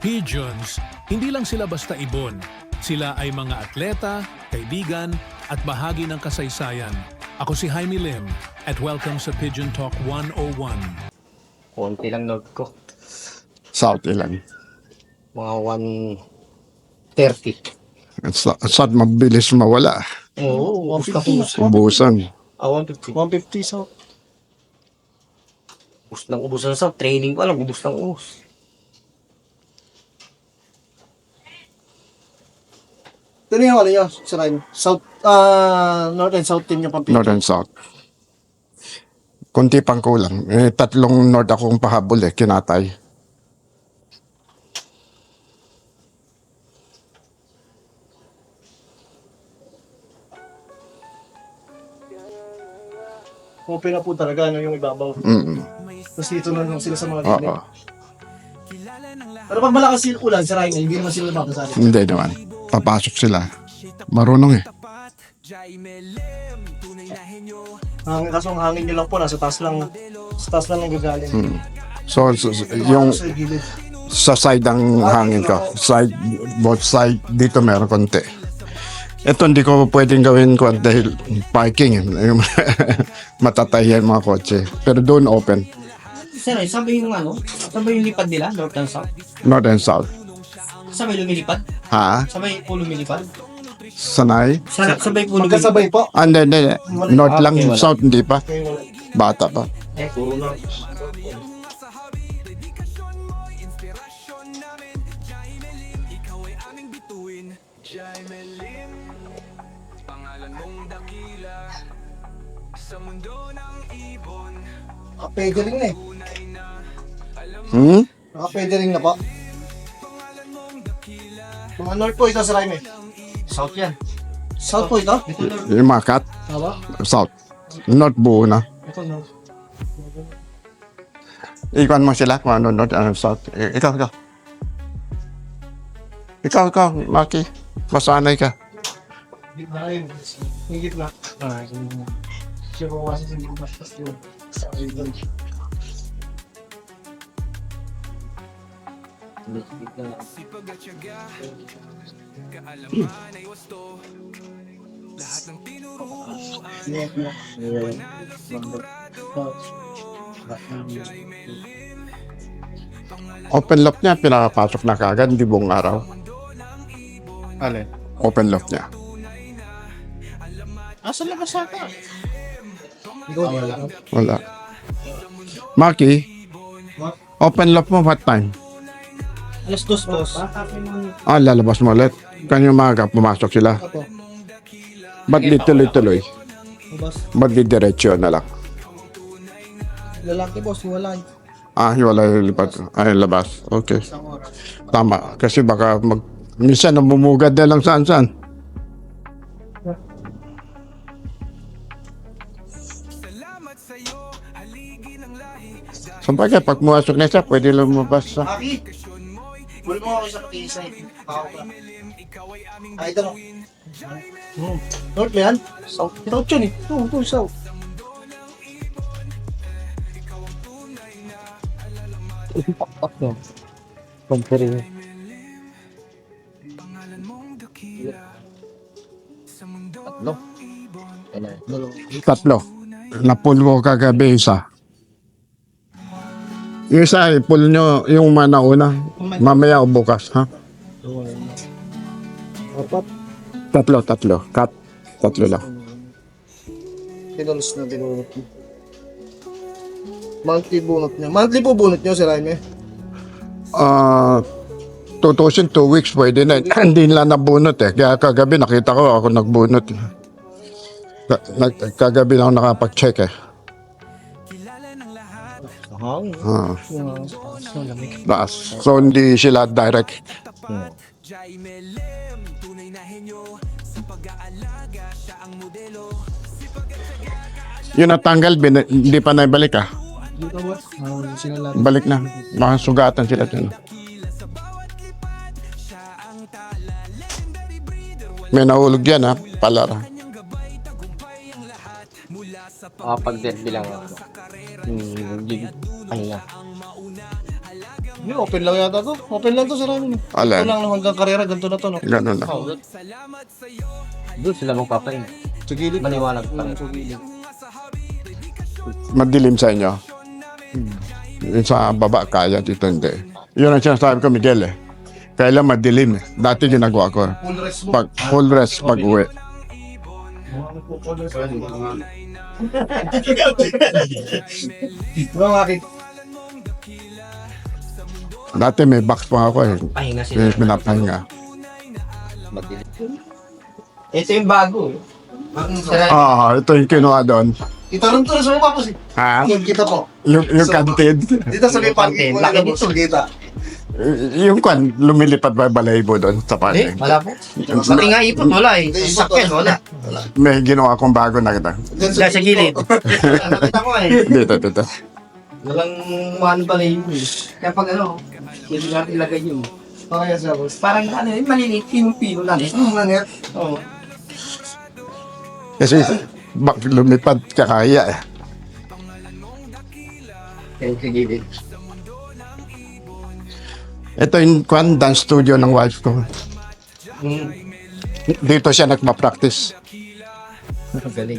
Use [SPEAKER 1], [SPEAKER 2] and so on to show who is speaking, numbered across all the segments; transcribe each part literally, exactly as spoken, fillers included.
[SPEAKER 1] Pigeons, hindi lang sila basta ibon. Sila ay mga atleta, kaibigan, at bahagi ng kasaysayan. Ako si Jaime Lim at welcome sa Pigeon Talk one oh one.
[SPEAKER 2] Konti lang note ko.
[SPEAKER 3] South ilan.
[SPEAKER 2] Mga one thirty.
[SPEAKER 3] At sa, saan mabilis mawala.
[SPEAKER 2] Oo, ubus ka ubus.
[SPEAKER 3] Ubusan.
[SPEAKER 2] Ah, one fifty.
[SPEAKER 4] one fifty sa
[SPEAKER 2] Ubus ng ubus na sa training pa lang, ubus ng ubus.
[SPEAKER 4] Ito na yung ano nyo, Sir Ryan. South, ah, North and South team yung Pampanga.
[SPEAKER 3] North and South. Kunti pang kulang. Eh, tatlong North akong pahabol eh, kinatay.
[SPEAKER 4] Open na po talaga, ano yung ibabaw.
[SPEAKER 3] Mm.
[SPEAKER 4] Tapos dito na lang sila sa mga
[SPEAKER 3] Oo.
[SPEAKER 4] linig. Pero pag malakas yung ulan, Sir Ryan, hindi naman sila mapasali.
[SPEAKER 3] Hindi naman. Papasok sila. Marunong eh.
[SPEAKER 4] Ang kaso ang hangin nyo lang po, nasa taas lang, sa taas lang ang gagaling.
[SPEAKER 3] Mm. So, so, so, yung
[SPEAKER 4] Sa gilid.
[SPEAKER 3] sa side ang hangin ko. Side, both side. Dito meron konti. Ito hindi ko pwedeng gawin ko dahil parking. eh. Matatahiyan mga kotse. Pero doon open.
[SPEAKER 2] Sir, saan ba yung ano? Saan ba yung lipad nila? North and South?
[SPEAKER 3] North and South.
[SPEAKER 2] Saan ba yung lumilipad?
[SPEAKER 3] Ha?
[SPEAKER 2] Saan ba yung po lumilipad?
[SPEAKER 3] Sanay?
[SPEAKER 2] Saan, saan ba yung po lumilipad?
[SPEAKER 4] Magkasabay po.
[SPEAKER 3] Ah, hindi, hindi. North lang.
[SPEAKER 2] Okay, wala.
[SPEAKER 3] South hindi pa.
[SPEAKER 4] Okay, wala.
[SPEAKER 3] Bata pa.
[SPEAKER 2] Eh, puro na.
[SPEAKER 4] Naka-federing na eh.
[SPEAKER 3] Hmm?
[SPEAKER 4] Naka-federing na po. Mga North po ito, Sir Ryan eh.
[SPEAKER 2] South yan.
[SPEAKER 4] South po ito.
[SPEAKER 3] Yung mga cat.
[SPEAKER 4] Tama?
[SPEAKER 3] South. North buo na.
[SPEAKER 4] Ito North.
[SPEAKER 3] Ikuan mo sila kung ano North and South. Eh, ikaw, ikaw. Ikaw, ikaw, Maki. Masanay ka.
[SPEAKER 4] Gitna yun. Yung gitna. Ah, yung... Siya ko kasi sa gitna. Tapos yun. Sa idol. Net na.
[SPEAKER 3] Open lock niya, pinakapasok na kagad, hindi buong araw.
[SPEAKER 4] Alin?
[SPEAKER 3] Open lock niya.
[SPEAKER 4] Ah, sa labas ata. Ikaw wala.
[SPEAKER 3] Wala. Maki, open lock mo what time?
[SPEAKER 4] Alas dos, boss.
[SPEAKER 3] Ah, lalabas mo ulit. Kanyang maaga, pumasok sila.
[SPEAKER 4] Ako.
[SPEAKER 3] Ba't di tuloy-tuloy?
[SPEAKER 4] Boss.
[SPEAKER 3] Ba't di diretsyo na lang?
[SPEAKER 4] Lalaki, boss. Wala.
[SPEAKER 3] Ah, wala yung lipat. Ay, labas. Okay.
[SPEAKER 4] Isang oras.
[SPEAKER 3] Tama. Kasi baka mag... Minsan, namumugad na lang saan-saan. So, bagay, pag pumasok na siya, pwede lumabas sa...
[SPEAKER 4] Aki! Buli mo ako sa pag-iisa eh. Ako ka. Ah, ito no. Hmm. North ba yan? South. South yun eh. Oo, ito south.
[SPEAKER 2] Compare. Tatlo.
[SPEAKER 3] Tatlo. Napul ko kagabi isa. Yung isa, ipul nyo yung manauna. Mamaya o bukas, ha?
[SPEAKER 4] Apat.
[SPEAKER 3] Tatlo, tatlo. Cut. Tatlo lang.
[SPEAKER 4] Tinalos na binunot mo. Monthly bunot niya. Monthly po bunot niyo, Sir Jaime.
[SPEAKER 3] Ah... tutusin, two weeks, pwede na. Hindi nila nabunot eh. Kaya kagabi nakita ko ako nagbunot. Ka- nag- kagabi lang ako nakapag-check eh.
[SPEAKER 2] Hang.
[SPEAKER 3] Ah,
[SPEAKER 4] Yung
[SPEAKER 3] taas. So hindi sila direct. Yung natanggal, bin- hindi pa naibalik ah.
[SPEAKER 4] dito, boss. Ah, sila lahat.
[SPEAKER 3] Balik na. Mga sugatan sila dyan. May nahulog yan ha, palara.
[SPEAKER 2] Ah, pag derby lang ako. Hmm, hindi. Ano na.
[SPEAKER 4] Hindi, open lang yata to. Open lang to sa ramen.
[SPEAKER 3] Alin?
[SPEAKER 4] Ito lang hanggang karera, ganito na to, no?
[SPEAKER 3] Ganun na.
[SPEAKER 4] Oh,
[SPEAKER 2] Doon sila magpapain.
[SPEAKER 4] sa gilid.
[SPEAKER 2] Maliwanag pa.
[SPEAKER 4] Mm, sa gilid.
[SPEAKER 3] Madilim sa inyo. Yung sa baba, kaya dito hindi. Yun ang sinasabi ko, Miguel eh. Kailan madilim eh. Dati ginagawa ko.
[SPEAKER 4] Full rest mo.
[SPEAKER 3] Pag, full rest pag uwi.
[SPEAKER 4] Mga makik.
[SPEAKER 3] Dati may box pa ako eh.
[SPEAKER 2] Pahinga sila.
[SPEAKER 3] Yung pinapahinga.
[SPEAKER 2] Ito yung bago. eh. Sarap.
[SPEAKER 3] Ah, ito yung kinuha doon.
[SPEAKER 4] Itanong to na sa mga papos eh.
[SPEAKER 3] Ha?
[SPEAKER 4] Yung kita po.
[SPEAKER 3] Yung, yung kantin.
[SPEAKER 4] Dito sa may parking.
[SPEAKER 2] Laki
[SPEAKER 4] Laki
[SPEAKER 2] nito.
[SPEAKER 4] dito. Kita.
[SPEAKER 3] Y- yung kwan, lumilipad ba balahibo doon sa
[SPEAKER 2] Hindi,
[SPEAKER 3] parking?
[SPEAKER 2] wala po. Pati nga ipot, wala eh. Sakyan, wala.
[SPEAKER 3] May ginawa akong bago na kita.
[SPEAKER 4] Diyan
[SPEAKER 2] Diyan sa gilid. Nakita ko eh.
[SPEAKER 3] Dito, dito.
[SPEAKER 2] Walang one pala yun eh. Kaya pag ano, hindi natin ilagay yun.
[SPEAKER 4] Okay, sa boss.
[SPEAKER 2] Parang ano yun, maliliit, pinong-pino lang eh.
[SPEAKER 4] Hmm, nangyat.
[SPEAKER 2] Oo.
[SPEAKER 3] Kasi bak lumipad kakaya eh.
[SPEAKER 2] Kaya sa gilid.
[SPEAKER 3] Ito yung kwan, dance studio ng wife ko.
[SPEAKER 2] Hmm.
[SPEAKER 3] Dito siya nagpa-practice.
[SPEAKER 2] Galing.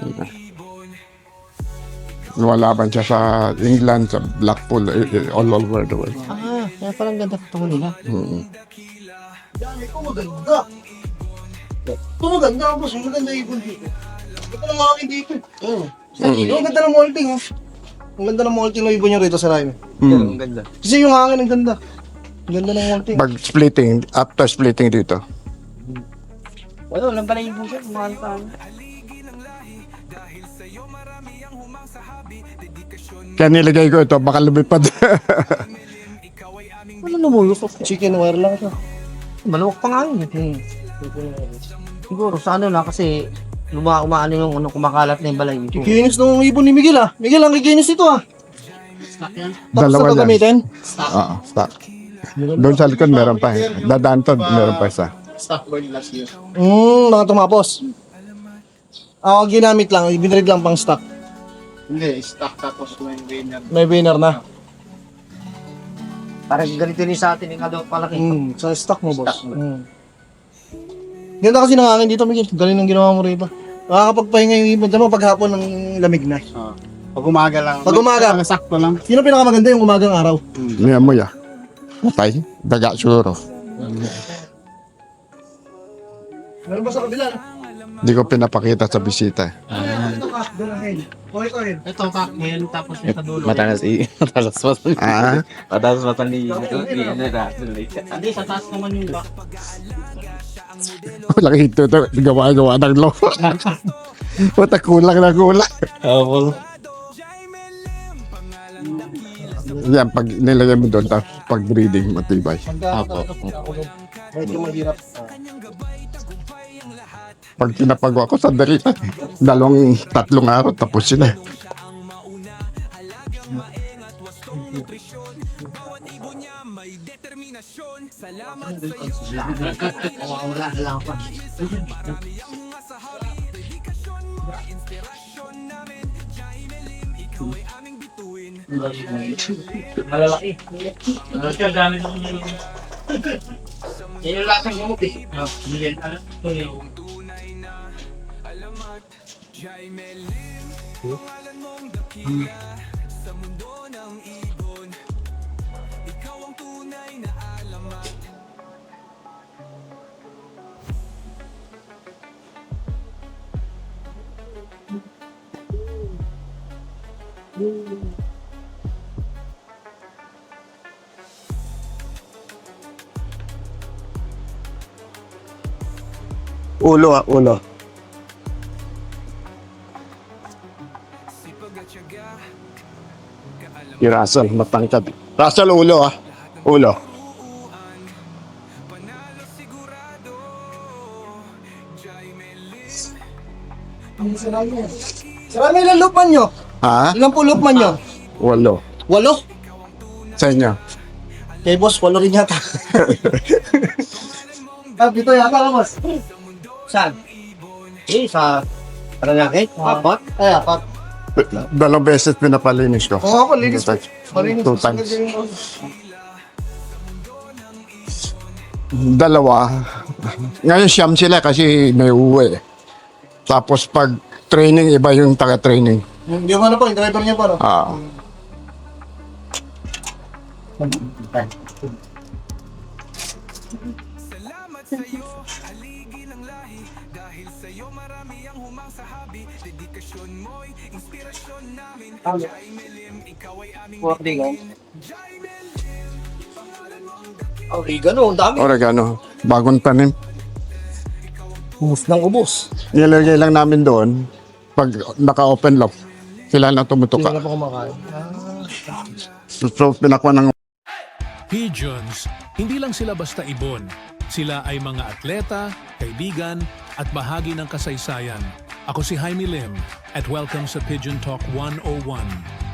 [SPEAKER 3] Lumalaban siya sa England, sa Blackpool, eh, eh, all over the world.
[SPEAKER 2] Ah, kaya parang ganda pa nila.
[SPEAKER 3] Mm.
[SPEAKER 4] Yan, ito maganda. Ito maganda, boss. Maganda yung ibon dito. Ito lang akin dito. Oo. Ang ganda ng molting, oh. Ang ganda ng molting ng ibon niya rito sa Rhyme.
[SPEAKER 3] Mm.
[SPEAKER 2] Ang ganda.
[SPEAKER 4] Kasi yung hangin ang ganda. Ang ganda ng molting.
[SPEAKER 3] Pag splitting, after splitting dito.
[SPEAKER 2] Wala, walang pala yung busa. Mahal pa.
[SPEAKER 3] Kaya nilagay ko ito, baka lumipad.
[SPEAKER 2] Ano namulok?
[SPEAKER 4] Chicken wire lang siya.
[SPEAKER 2] Maluwag pa nga yun. eh. Siguro sa ano na kasi luma umaano yung ano, kumakalat na yung balay nito.
[SPEAKER 4] Kikinis ng ibon ni Miguel, ah. Miguel, ang kikinis ito, ah. Tapos
[SPEAKER 3] Dalawa
[SPEAKER 4] na
[SPEAKER 3] yan.
[SPEAKER 4] gagamitin.
[SPEAKER 3] Oo, stop. Doon sa likod, meron pa eh. Dadaan to, meron pa isa.
[SPEAKER 4] Hmm, mga tumapos. Ako ginamit lang, ibinrid lang pang stock.
[SPEAKER 5] Hindi, stock tapos may winner.
[SPEAKER 4] May winner na.
[SPEAKER 2] Parang ganito rin sa atin yung kalawang palaki.
[SPEAKER 4] Hmm, sa stock mo, boss.
[SPEAKER 2] Stock mo.
[SPEAKER 4] Hmm. Ganda kasi ng hangin dito, Miguel. Galing ng ginawa mo rito. Nakakapagpahinga yung ibon. Tama, paghapon ng lamig na.
[SPEAKER 5] Oh. Pag umaga lang.
[SPEAKER 4] Pag umaga.
[SPEAKER 5] Ang sakto lang.
[SPEAKER 4] Yun ang pinakamaganda yung umagang araw.
[SPEAKER 3] Niya mo ya. Patay, daga siguro.
[SPEAKER 4] Meron ba sa kabila?
[SPEAKER 3] Hindi ko pinapakita sa bisita eh.
[SPEAKER 4] Ito ka, doon ahead. Okay, ko ahead.
[SPEAKER 5] Ito cocktail tapos yung kadulo.
[SPEAKER 6] Matalas i matalas matan
[SPEAKER 3] Ah,
[SPEAKER 6] matalas matan ni na
[SPEAKER 5] Hindi, sa taas naman yung back.
[SPEAKER 3] walang hito ito. Gawa-gawa ng lo. Puta, kulang na kulang.
[SPEAKER 6] oh
[SPEAKER 3] Yan, pag nilagay mo doon, tapos pag breeding, matibay.
[SPEAKER 6] Apo.
[SPEAKER 4] Medyo mahirap.
[SPEAKER 3] Pag pinapagawa ko sa dali, dalawang, tatlong araw, tapos sila.
[SPEAKER 2] Wala na lang pa. Malalaki.
[SPEAKER 5] Ang dami ng
[SPEAKER 2] Yan yung lasang gamot eh.
[SPEAKER 5] Miguel, ano? Ito yung
[SPEAKER 3] Ulo ah, ulo. Yung Russell, matangkad. Russell, ulo ah. Ulo.
[SPEAKER 4] Sarami ilang lupman nyo?
[SPEAKER 3] Ha?
[SPEAKER 4] Ilang po lupman nyo?
[SPEAKER 3] Ulo.
[SPEAKER 4] Walo?
[SPEAKER 3] Sa inyo.
[SPEAKER 4] Kay boss, walo rin yata. Ah, dito yata ka, boss.
[SPEAKER 2] Saan? Eh, sa Paranaque? Apat?
[SPEAKER 4] Ay, apat.
[SPEAKER 3] Dalawang beses pinapalinis ko.
[SPEAKER 4] Oo, ako, linis.
[SPEAKER 3] Two times.
[SPEAKER 4] Malinis.
[SPEAKER 3] Two times. Dalawa. Ngayon siyam sila kasi may uwi. Tapos pag training, iba yung taga-training.
[SPEAKER 4] Yung, yung ano po, yung driver niya pa, no?
[SPEAKER 3] Ah.
[SPEAKER 2] Oregano. Oregano, ang dami.
[SPEAKER 3] Oregano. Bagong tanim.
[SPEAKER 2] Ubus ng ubus.
[SPEAKER 3] Nilagay lang namin doon. Pag naka-open lock, sila na
[SPEAKER 2] Hindi
[SPEAKER 3] tumutuka.
[SPEAKER 2] na pa kumakain.
[SPEAKER 3] So, so pinakwa ng
[SPEAKER 1] Pigeons, hindi lang sila basta ibon. Sila ay mga atleta, kaibigan, at bahagi ng kasaysayan. Ako si Jaime Lim at welcome sa Pigeon Talk one oh one.